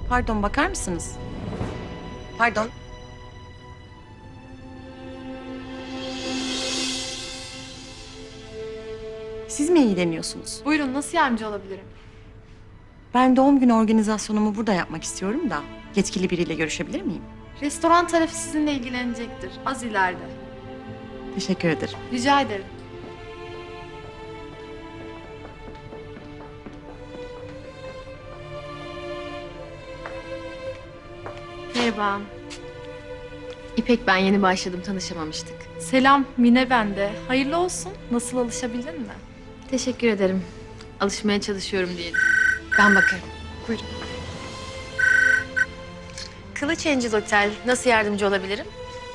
Pardon, bakar mısınız? Pardon. Siz mi ilgileniyorsunuz? Buyurun, nasıl yardımcı olabilirim? Ben doğum günü organizasyonumu burada yapmak istiyorum da yetkili biriyle görüşebilir miyim? Restoran tarafı sizinle ilgilenecektir. Az ileride. Teşekkür ederim. Rica ederim. Merhaba. İpek, ben yeni başladım, tanışamamıştık. Selam, Mine bende. Hayırlı olsun. Nasıl, alışabildin mi? Teşekkür ederim. Alışmaya çalışıyorum diyelim. Ben bakarım. Buyurun. Kılıç Angel Otel, nasıl yardımcı olabilirim?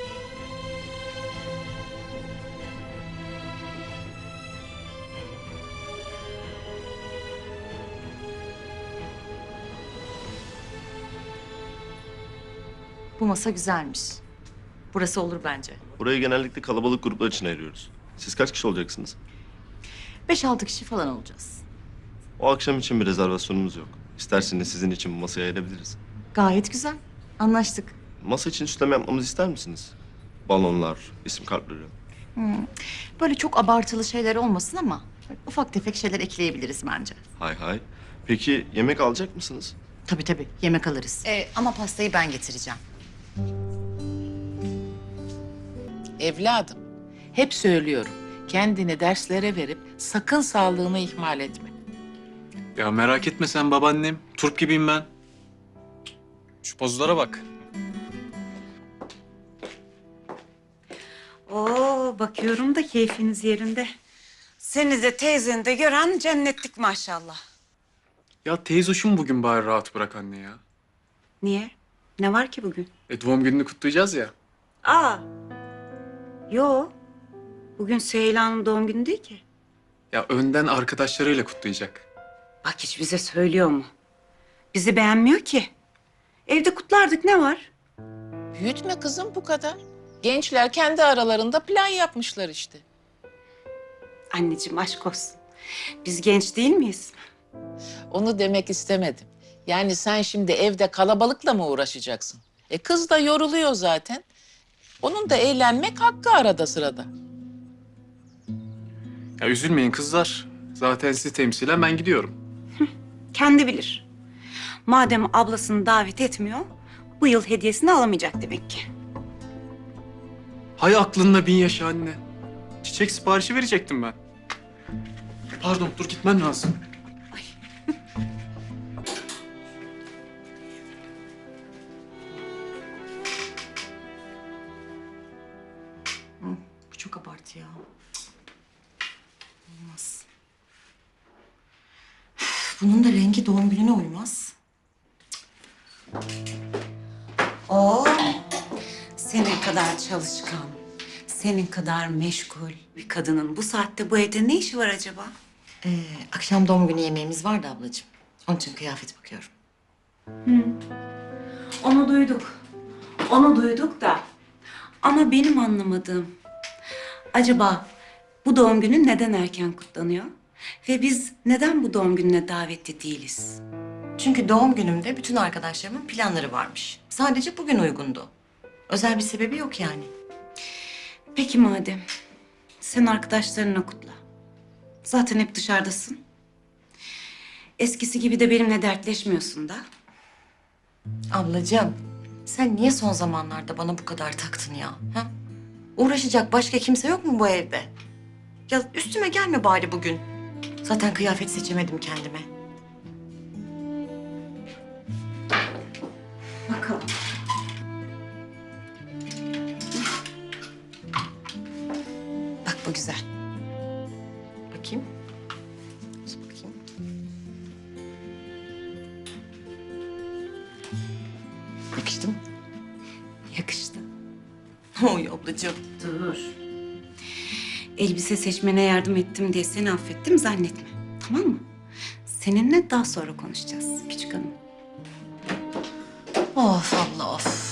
Bu masa güzelmiş. Burası olur bence. Burayı genellikle kalabalık gruplar için ayırıyoruz. Siz kaç kişi olacaksınız? 5-6 kişi falan olacağız. O akşam için bir rezervasyonumuz yok. İsterseniz sizin için bu masayı ayırabiliriz. Gayet güzel. Anlaştık. Masa için süsleme yapmamızı ister misiniz? Balonlar, isim kartları. Böyle çok abartılı şeyler olmasın ama ufak tefek şeyler ekleyebiliriz bence. Hay hay. Peki yemek alacak mısınız? Tabii tabii, yemek alırız. Ama pastayı ben getireceğim. Evladım, hep söylüyorum. Kendini derslere verip sakın sağlığını ihmal etme. Ya merak etme sen babaannem. Turp gibiyim ben. Şu pozlara bak. Oo, bakıyorum da keyfiniz yerinde. Seni de teyzeni de gören cennetlik maşallah. Ya teyzoşum bugün bari rahat bırak anne ya. Niye? Ne var ki bugün? Doğum gününü kutlayacağız ya. Aa, yo. Bugün Süheyla'nın doğum günü değil ki. Ya önden arkadaşlarıyla kutlayacak. Bak hiç bize söylüyor mu? Bizi beğenmiyor ki. Evde kutlardık, ne var? Büyütme kızım bu kadar. Gençler kendi aralarında plan yapmışlar işte. Anneciğim aşk olsun. Biz genç değil miyiz? Onu demek istemedim. Yani sen şimdi evde kalabalıkla mı uğraşacaksın? Kız da yoruluyor zaten. Onun da eğlenmek hakkı arada sırada. Ya üzülmeyin kızlar. Zaten sizi temsilen ben gidiyorum. Kendi bilir. Madem ablasını davet etmiyor, bu yıl hediyesini alamayacak demek ki. Hay aklında bin yaşa anne. Çiçek siparişi verecektim ben. Pardon, dur gitmen lazım. Bu çok abartı ya. Olmaz. Bunun da rengi doğum gününe uymaz. Oo, senin kadar çalışkan, senin kadar meşgul bir kadının bu saatte bu evde ne işi var acaba? Akşam doğum günü yemeğimiz vardı ablacığım. Onun için kıyafet bakıyorum. Onu duyduk. Onu duyduk da. Ama benim anlamadığım, acaba bu doğum günü neden erken kutlanıyor? Ve biz neden bu doğum gününe davetli değiliz? Çünkü doğum günümde bütün arkadaşlarımın planları varmış. Sadece bugün uygundu. Özel bir sebebi yok yani. Peki madem, sen arkadaşlarınla kutla. Zaten hep dışarıdasın. Eskisi gibi de benimle dertleşmiyorsun da. Ablacığım, sen niye son zamanlarda bana bu kadar taktın ya? Ha? Uğraşacak başka kimse yok mu bu evde? Ya üstüme gelme bari bugün. Zaten kıyafet seçemedim kendime. Bakalım. Bak bu güzel. Bakayım. Dur bakayım. Yakıştı mı? Yakıştı. Oy ablacığım. Dur. Elbise seçmene yardım ettim diye seni affettim zannetme. Tamam mı? Seninle daha sonra konuşacağız küçük hanım. Of abla of.